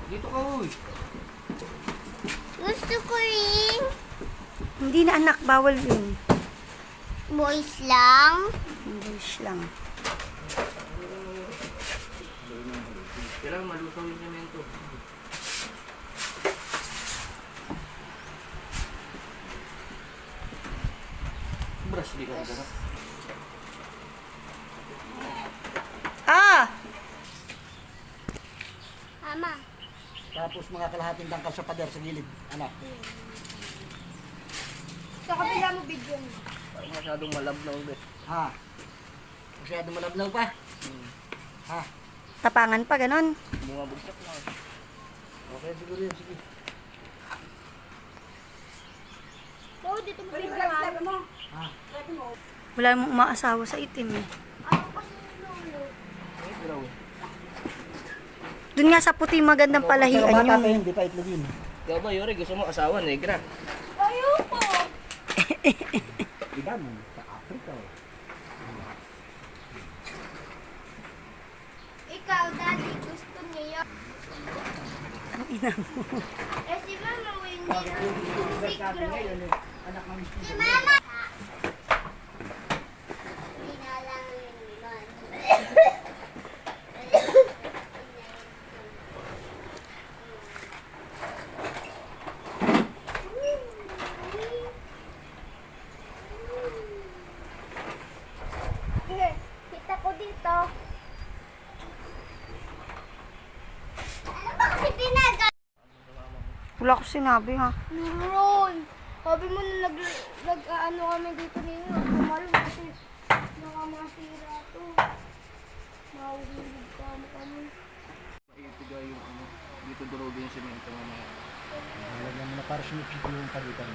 Dito ka, uy. Gusto ko rin. Hindi na anak, bawal yun. Boys lang. English lang. Kailangan malusaw yung semento. Brush, di ka ganap. Ah! Ama. Tapos mga kalahating dangkal sa pader sa gilid, anak. Sa kabila mo video mo. Parang masyadong malabnaw, be. Ha? Masyado malablaw pa? Ha? Tapangan pa, ganon. Bumabugsak na. Okay, siguro yun, sige. Oo, dito mo rin mo. Ha? Wala mong umaasawa sa itim eh. Ako kasi lolo. Ay, graw. Doon nga sa puti magandang Pero palahian bata yun. pa yun, di pa itlog yun. Ikaw ba, Yori? Gusto mo asawa, negra? Ayoko. Iba mo, sa Africa. Ikaw, daddy, gusto niyo. Ang ina mo. Eh, si mama, hindi Bakit na. yung universe natin ngayon, eh, anak ng Si mama! Hindi na lang yun. Kita ko dito. Ano ba kasi pinagal? Wala ko sinabi ha. Meron. Sabi mo na ano kami dito ninyo. Kumalo kasi nakamasira to. Mahuhulog kami. Maitiga yung ano. Dito durugin yung semento mamaya. Lagyan mo na para sumipsip yung pagitan.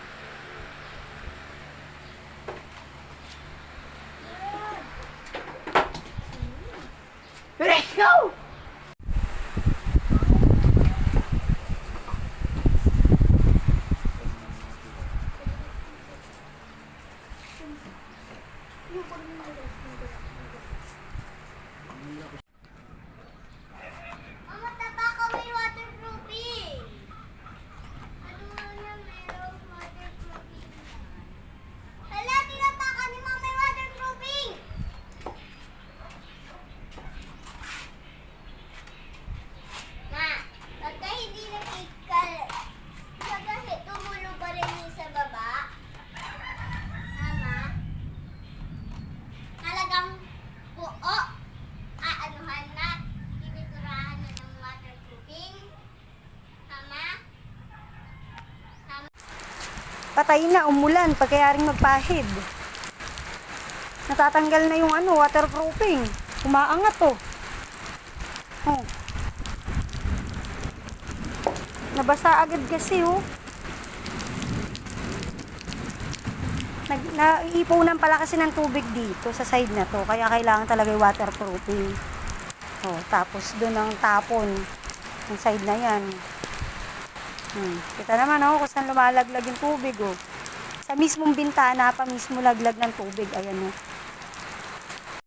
Let's go! Mama, taba ko may waterproofing. Ano na meron waterproofing? Hala, tinapakan ni Mama may waterproofing. Ma, pagka hindi nakikal, pagka tumulo pa rin yung sa baba. Mama, talagang buo. Aanuhan na, tiniturahan na ng waterproofing. Mama, Patay na, umulan, pagkayaring magpahid. Natatanggal na yung ano, waterproofing. Umaangat to. Oh. Nabasa agad kasi oh. Naiipunan pala kasi ng tubig dito sa side na to. Kaya kailangan talaga yung waterproofing. Oh, tapos doon ang tapon. Yung side na yan. Kita naman oh, kung saan lumalaglag yung tubig oh. Sa mismong bintana pa mismo laglag ng tubig. Ayan oh.